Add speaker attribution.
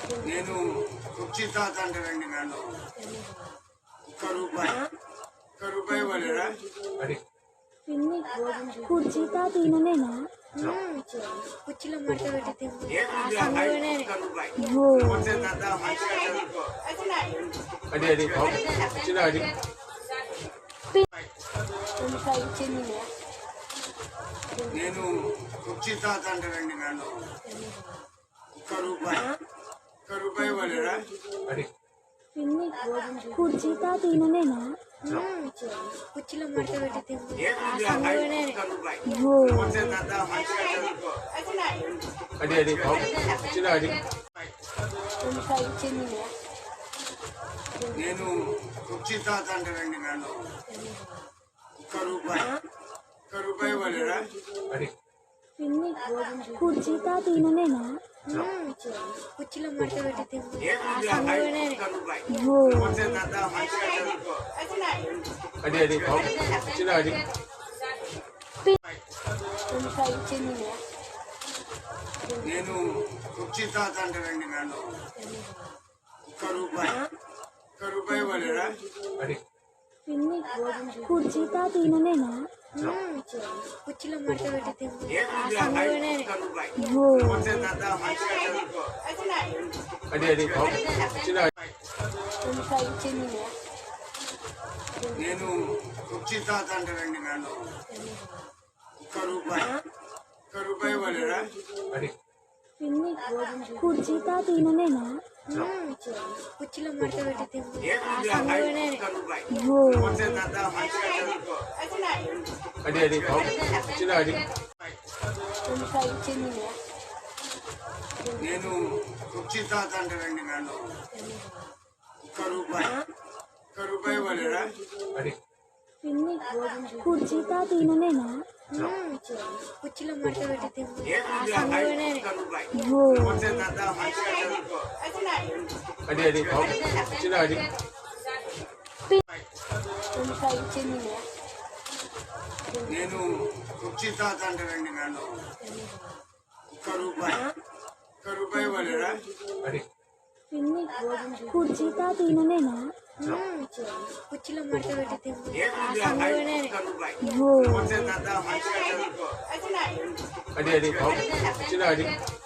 Speaker 1: నేను కుర్చీ తాత అంటారండి నన్ను. ఒక్క రూపాయి ఇవ్వలేరా?
Speaker 2: కుర్చీ తాత ఈయననేనా?
Speaker 3: కుర్చీలో మడత పెట్టి
Speaker 1: ఒక్క రూపాయి నమస్తే తాత, మంచిగా చదువుకో.
Speaker 3: ఇచ్చింది
Speaker 1: నేను కుర్చీ తాత అంటారండి నన్ను. ఒక్క రూపాయి ఇవ్వలేరా?
Speaker 2: కుర్చీ తాత ఈయననేనా?
Speaker 3: కుర్చీలో మడత పెట్టి
Speaker 1: ఒక్క రూపాయి నమస్తే తాత, మంచిగా చదువుకో.
Speaker 3: ఇచ్చింది
Speaker 1: నేను కుర్చీ తాత అంటారండి నన్ను. ఒక్క రూపాయి ఇవ్వలేరా?
Speaker 2: కుర్చీ తాత ఈయననేనా?
Speaker 3: కుర్చీలో మడత పెట్టి
Speaker 1: ఒక్క రూపాయి నమస్తే తాత, మంచిగా చదువుకో.
Speaker 3: ఇచ్చింది
Speaker 1: నేను కుర్చీ తాత అంటారండి నన్ను. ఒక్క రూపాయి ఇవ్వలేరా?
Speaker 2: కుర్చీ తాత ఈయననేనా?
Speaker 3: కుర్చీలో మడత పెట్టి
Speaker 1: ఒక్క రూపాయి నమస్తే తాత, మంచిగా చదువుకో.
Speaker 3: ఇచ్చింది
Speaker 1: నేను కుర్చీ తాత అంటారండి నన్ను. ఒక్క రూపాయి ఇవ్వలేరా?
Speaker 2: కుర్చీ తాత ఈయననేనా?
Speaker 3: కుర్చీలో మడత పెట్టి
Speaker 1: ఒక్క రూపాయి నమస్తే తాత, మంచిగా చదువుకో.
Speaker 3: ఇచ్చింది
Speaker 1: నేను కుర్చీ తాత అంటారండి నన్ను. ఒక్క రూపాయి ఇవ్వలేరా?
Speaker 2: కుర్చీ తాత ఈయననేనా?
Speaker 3: కుర్చీలో మడత పెట్టి
Speaker 1: ఒక్క రూపాయి నమస్తే తాత, మంచిగా చదువుకో.
Speaker 3: ఇచ్చింది
Speaker 1: నేను కుర్చీ తాత అంటారండి నన్ను. ఒక్క రూపాయి ఇవ్వలేరా?
Speaker 2: కుర్చీ తాత ఈయననేనా?
Speaker 3: కుర్చీలో మడత పెట్టి
Speaker 1: ఒక్క రూపాయి నమస్తే తాత, మంచిగా చదువుకో.